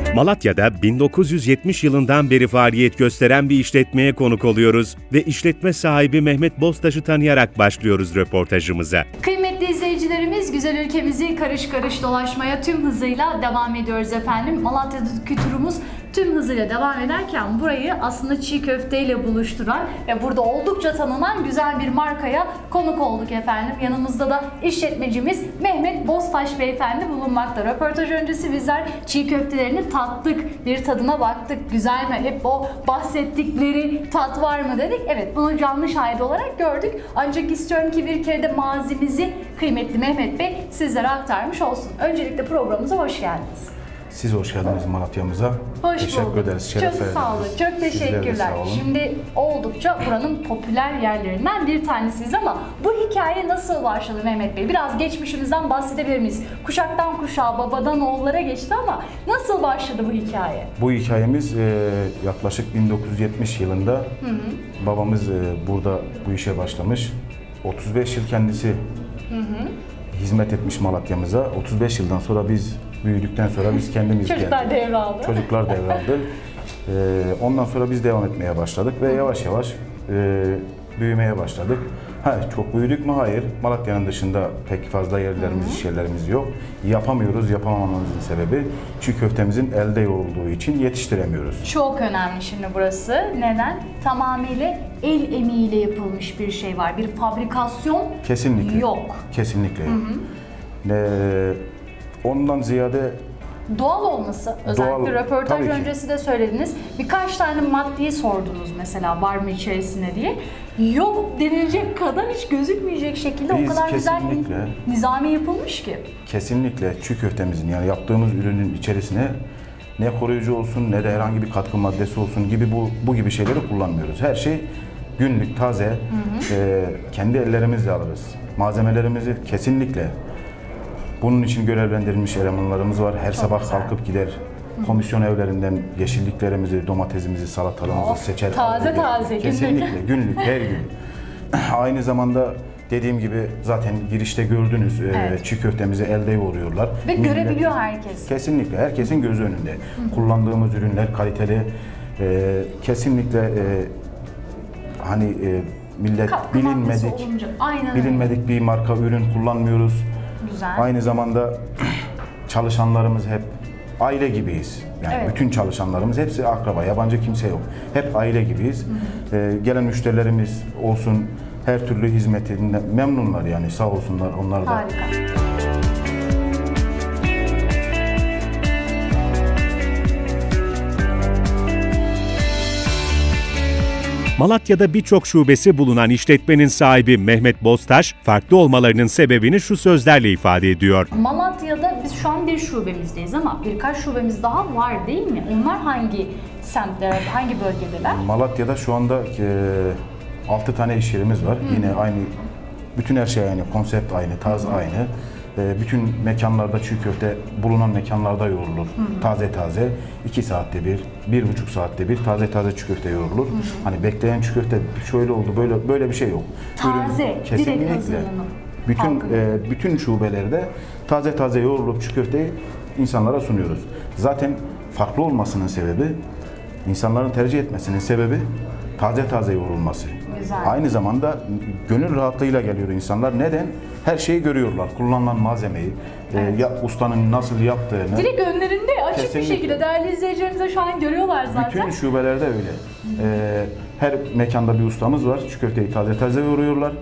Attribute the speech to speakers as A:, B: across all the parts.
A: Malatya'da 1970 yılından beri faaliyet gösteren bir işletmeye konuk oluyoruz ve işletme sahibi Mehmet Boztaş'ı tanıyarak başlıyoruz röportajımıza.
B: Kıymetli izleyicilerimiz, güzel ülkemizi karış karış dolaşmaya tüm hızıyla devam ediyoruz efendim. Malatya'daki turumuz tüm hızıyla devam ederken burayı aslında çiğ köfteyle buluşturan ve burada oldukça tanınan güzel bir markaya konuk olduk efendim. Yanımızda da işletmecimiz Mehmet Boztaş beyefendi bulunmakta. Röportaj öncesi bizler çiğ köftelerini tattık, bir tadına baktık. Güzel mi? Hep o bahsettikleri tat var mı dedik. Evet, bunu canlı şahit olarak gördük. Ancak istiyorum ki bir kere de mazimizi kıymetli Mehmet Bey sizlere aktarmış olsun. Öncelikle programımıza hoş geldiniz.
C: Siz hoş geldiniz Malatya'mıza.
B: Hoş
C: Teşekkür
B: bulduk.
C: ederiz. Şeref
B: Çok
C: verdiniz.
B: sağ olun. Çok
C: Sizler de
B: teşekkürler.
C: sağ olun.
B: Şimdi oldukça buranın popüler yerlerinden bir tanesiyiz ama bu hikaye nasıl başladı Mehmet Bey? Biraz geçmişimizden bahsedebilir miyiz? Kuşaktan kuşağa, babadan oğullara geçti ama nasıl başladı bu hikaye?
C: Bu hikayemiz yaklaşık 1970 yılında babamız burada bu işe başlamış. 35 yıl kendisi hizmet etmiş Malatya'mıza. 35 yıldan sonra biz büyüdükten sonra biz kendimiz
B: Çocuklar
C: geldik.
B: devraldı.
C: Çocuklar devraldı. Ondan sonra biz devam etmeye başladık ve yavaş yavaş büyümeye başladık. Çok büyüdük mü? Hayır. Malatya'nın dışında pek fazla yerlerimiz, iş yerlerimiz yok. Yapamıyoruz. Yapamamamızın sebebi çiğ köftemizin elde yoğrulduğu için yetiştiremiyoruz.
B: Çok önemli şimdi burası. Neden? Tamamıyla el emeğiyle yapılmış bir şey var. Bir fabrikasyon
C: Kesinlikle.
B: yok.
C: Kesinlikle yok. Ondan ziyade
B: Doğal olması, özellikle
C: Doğal,
B: röportaj
C: tabii ki.
B: öncesi de söylediniz. Birkaç tane maddeyi sordunuz mesela var mı içerisinde diye. Yok denilecek kadar hiç gözükmeyecek şekilde
C: Biz
B: o kadar güzel
C: kesinlikle-
B: bir nizami yapılmış ki.
C: kesinlikle çiğ köftemizin yani yaptığımız ürünün içerisine ne koruyucu olsun ne de herhangi bir katkı maddesi olsun gibi bu gibi şeyleri kullanmıyoruz. Her şey günlük, taze, kendi ellerimizle alırız. Malzemelerimizi kesinlikle bunun için görevlendirilmiş elemanlarımız var. Her sabah
B: güzel.
C: kalkıp gider. Komisyon evlerinden yeşilliklerimizi, domatesimizi, salatalığımızı seçer.
B: taze
C: alır.
B: taze, günlük.
C: Kesinlikle, günlük, her gün. Aynı zamanda dediğim gibi zaten girişte gördünüz
B: Evet.
C: çiğ köftemizi elde yoğuruyorlar.
B: Ve
C: Millet-
B: görebiliyor herkes.
C: Kesinlikle, herkesin gözü önünde. Kullandığımız ürünler kaliteli, kesinlikle millet
B: Katkı maddesi
C: bilinmedik,
B: olunca, aynen öyle.
C: bilinmedik bir marka ürün kullanmıyoruz.
B: Güzel.
C: Aynı zamanda çalışanlarımız hep aile gibiyiz. Yani
B: Evet.
C: bütün çalışanlarımız hepsi akraba, yabancı kimse yok. Hep aile gibiyiz. Gelen müşterilerimiz olsun her türlü hizmetinden memnunlar yani sağ olsunlar onlar da.
B: Harika.
A: Malatya'da birçok şubesi bulunan işletmenin sahibi Mehmet Boztaş, farklı olmalarının sebebini şu sözlerle ifade ediyor.
B: Malatya'da biz şu an bir şubemizdeyiz ama birkaç şubemiz daha var değil mi? Onlar hangi semtlerde, hangi bölgedeler?
C: Malatya'da şu anda 6 tane iş yerimiz var. Yine aynı, bütün her şey aynı, konsept aynı, tarz aynı. Bütün mekanlarda çiğ köfte bulunan mekanlarda yoğrulur. Taze taze 2 saatte bir, 1,5 saatte bir taze taze çiğ köfte yoğrulur. Hani bekleyen çiğ köfte şöyle oldu böyle bir şey yok.
B: Taze, direkt
C: kesinlikle.
B: hazırlanıp
C: Bütün
B: halkın.
C: bütün şubelerde taze taze yoğrulup çiğ köfteyi insanlara sunuyoruz. Zaten farklı olmasının sebebi, insanların tercih etmesinin sebebi taze taze yoğrulması.
B: Güzel.
C: Aynı zamanda gönül rahatlığıyla geliyor insanlar. Neden? Her şeyi görüyorlar. Kullanılan malzemeyi, ustanın nasıl yaptığını.
B: Direkt önlerinde açık
C: Kesinlikle.
B: bir şekilde değerli izleyicilerimiz de şu an görüyorlar zaten.
C: Bütün şubelerde öyle. Her mekanda bir ustamız var. Çiğ köfteyi taze taze yoğuruyorlar.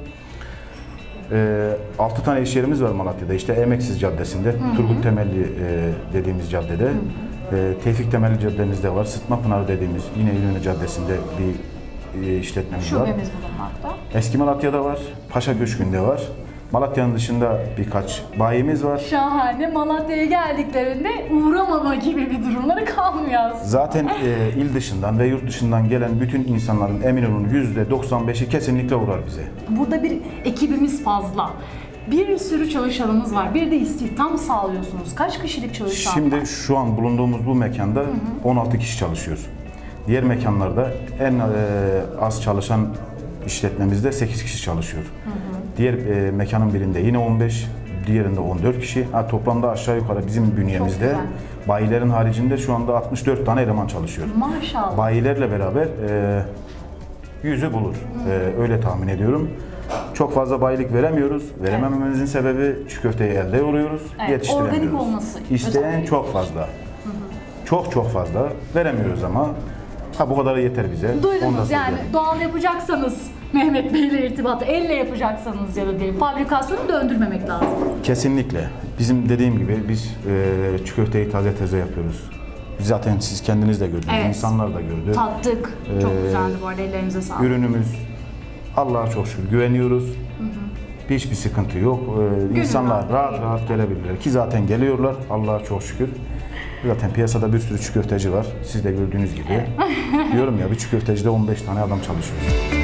C: 6 tane iş yerimiz var Malatya'da. İşte Emeksiz Caddesi'nde, Turgut Temelli dediğimiz caddede. Tevfik Temelli Caddemizde var. Sıtma Pınarı dediğimiz yine İnönü Caddesi'nde bir işletmemiz var.
B: Şubemiz bulunmakta.
C: Eski Malatya'da var, Paşa Köşkü'nde var. Malatya'nın dışında birkaç bayimiz var.
B: Şahane. Malatya'ya geldiklerinde uğramama gibi bir durumları kalmıyor aslında.
C: Zaten il dışından ve yurt dışından gelen bütün insanların emin olun %95'i kesinlikle uğrar bize.
B: Burada bir ekibimiz fazla. Bir sürü çalışanımız var. Bir de istihdam sağlıyorsunuz. Kaç kişilik çalışan var?
C: Şimdi şu an bulunduğumuz bu mekanda 16 kişi çalışıyor. Diğer mekanlarda en az çalışan işletmemizde 8 kişi çalışıyor. Diğer mekanın birinde yine 15, diğerinde 14 kişi. Toplamda aşağı yukarı bizim bünyemizde
B: güzel.
C: Bayilerin haricinde şu anda 64 tane eleman çalışıyor.
B: Maşallah.
C: Bayilerle beraber 100'ü bulur. Öyle tahmin ediyorum. Çok fazla bayilik veremiyoruz. Veremememizin sebebi çiğ köfteyi elde yoruyoruz,
B: Evet,
C: yetiştiremiyoruz.
B: organik olması
C: İsteyen
B: özellikle.
C: çok fazla. Çok fazla. Veremiyoruz ama bu kadarı yeter bize. Onu da
B: Duydunuz yani
C: söyleyelim.
B: doğal yapacaksanız Mehmet Bey ile irtibatı, elle yapacaksanız ya da diyelim fabrikasyonu döndürmemek lazım.
C: Kesinlikle. Bizim dediğim gibi biz çiğ köfteyi taze yapıyoruz. Zaten siz kendiniz de gördünüz,
B: Evet.
C: insanlar da gördü.
B: Tattık. Çok güzeldi bu arada, ellerinize sağlık.
C: Ürünümüz Allah'a çok şükür güveniyoruz. Hiçbir sıkıntı yok. İnsanlar rahat gelebilirler ki zaten geliyorlar Allah'a çok şükür. Zaten piyasada bir sürü çiğ köfteci var. Siz de gördüğünüz gibi. Diyorum ya, bir çiğ köftecide 15 tane adam çalışıyor.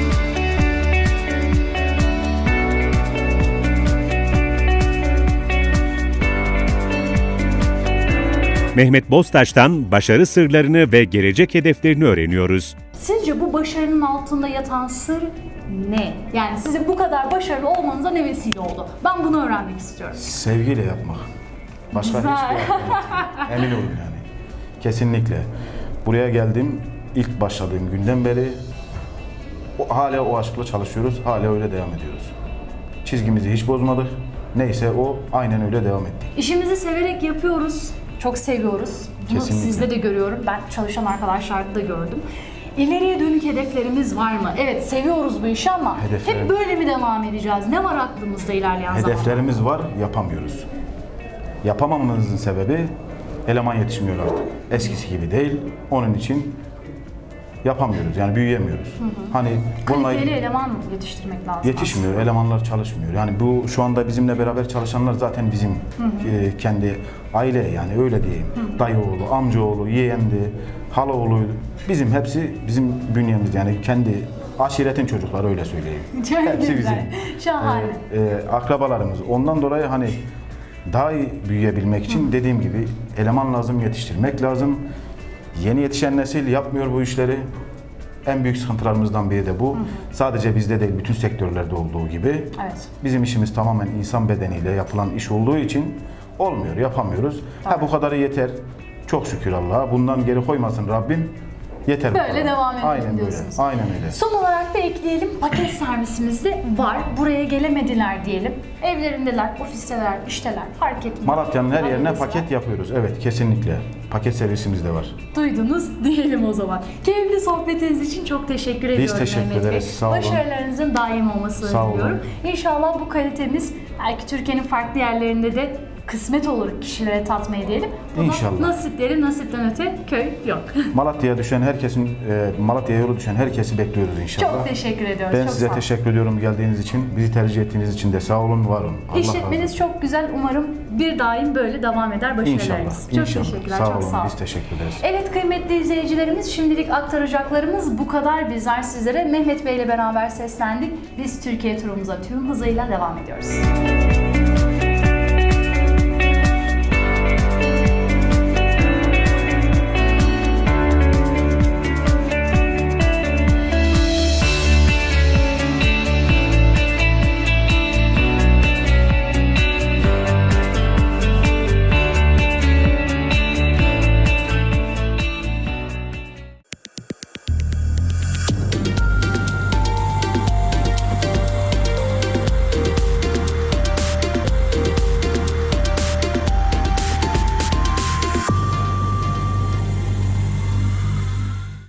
A: Mehmet Bostaş'tan başarı sırlarını ve gelecek hedeflerini öğreniyoruz.
B: Sizce bu başarının altında yatan sır ne? Yani sizin bu kadar başarılı olmanıza ne vesile oldu? Ben bunu öğrenmek istiyorum.
C: Sevgiyle yapmak. Başka
B: Güzel.
C: hiçbir şey yok. Emin olun yani. Kesinlikle. Buraya geldim, ilk başladığım günden beri hala o aşkla çalışıyoruz, hala öyle devam ediyoruz. Çizgimizi hiç bozmadık. Neyse o, aynen öyle devam ettik.
B: İşimizi severek yapıyoruz. Çok seviyoruz. Bunu
C: Kesinlikle.
B: sizde de görüyorum. Ben çalışan arkadaşlarda da gördüm. İleriye dönük hedeflerimiz var mı? Evet, seviyoruz bu işi ama
C: Hedeflerim-
B: hep böyle mi devam edeceğiz? Ne var aklımızda ilerleyen zamanlarda?
C: Hedeflerimiz var, yapamıyoruz. Yapamamamızın sebebi eleman yetişmiyor artık. Eskisi gibi değil. Onun için yapamıyoruz. Yani büyüyemiyoruz. Hani bununla
B: Kaliteli eleman yetiştirmek lazım.
C: yetişmiyor, elemanlar çalışmıyor. Yani bu şu anda bizimle beraber çalışanlar zaten bizim kendi aile, yani öyle diyeyim. Dayı oğlu, amca oğlu, yeğendi, hala oğluydu. Bizim hepsi bizim bünyemiz, yani kendi aşiretin çocukları, öyle söyleyeyim.
B: Çok
C: Hepsi
B: güzel. Şahane.
C: Akrabalarımız. Ondan dolayı hani daha iyi büyüyebilmek için dediğim gibi eleman lazım, yetiştirmek lazım. Yeni yetişen nesil yapmıyor bu işleri. En büyük sıkıntılarımızdan biri de bu. Sadece bizde değil, bütün sektörlerde olduğu gibi.
B: Evet.
C: Bizim işimiz tamamen insan bedeniyle yapılan iş olduğu için olmuyor, yapamıyoruz. Bu kadarı yeter. Çok şükür Allah'a. Bundan geri koymasın Rabbim. Yeter bu
B: Böyle
C: kadar.
B: devam edelim
C: Aynen
B: diyorsunuz.
C: Böyle. Aynen öyle.
B: Son olarak da ekleyelim, paket servisimiz de var. Buraya gelemediler diyelim. Evlerindeler, ofisteler, işteler, fark etmiyor.
C: Malatya'nın her yerine
B: Adresi var.
C: paket yapıyoruz. Evet, kesinlikle. Paket servisimiz de var.
B: Duydunuz diyelim o zaman. Keyifli sohbetiniz için çok teşekkür ediyorum
C: teşekkür
B: Mehmet Bey.
C: ederiz, sağ olun.
B: Başarılarınızın daim olmasını
C: Sağ olun.
B: diliyorum. İnşallah bu kalitemiz belki Türkiye'nin farklı yerlerinde de kısmet olur kişilere tatmayı diyelim. Ama
C: İnşallah.
B: nasipleri nasipten öte köy yok.
C: Malatya'ya düşen herkesin, Malatya'ya yolu düşen herkesi bekliyoruz inşallah.
B: Çok teşekkür ediyoruz.
C: Ben
B: çok
C: size
B: sağ olun.
C: teşekkür ediyorum geldiğiniz için. Bizi tercih ettiğiniz için de sağ olun, var olun. Allah razı
B: İşletmeniz
C: olsun.
B: çok güzel. Umarım bir daim böyle devam eder başarılarınız.
C: İnşallah.
B: Çok teşekkürler.
C: Sağ
B: çok
C: olun.
B: sağ olun.
C: Biz teşekkür ederiz.
B: Evet kıymetli izleyicilerimiz, şimdilik aktaracaklarımız bu kadar. Bizler sizlere Mehmet Bey ile beraber seslendik. Biz Türkiye turumuza tüm hızıyla devam ediyoruz.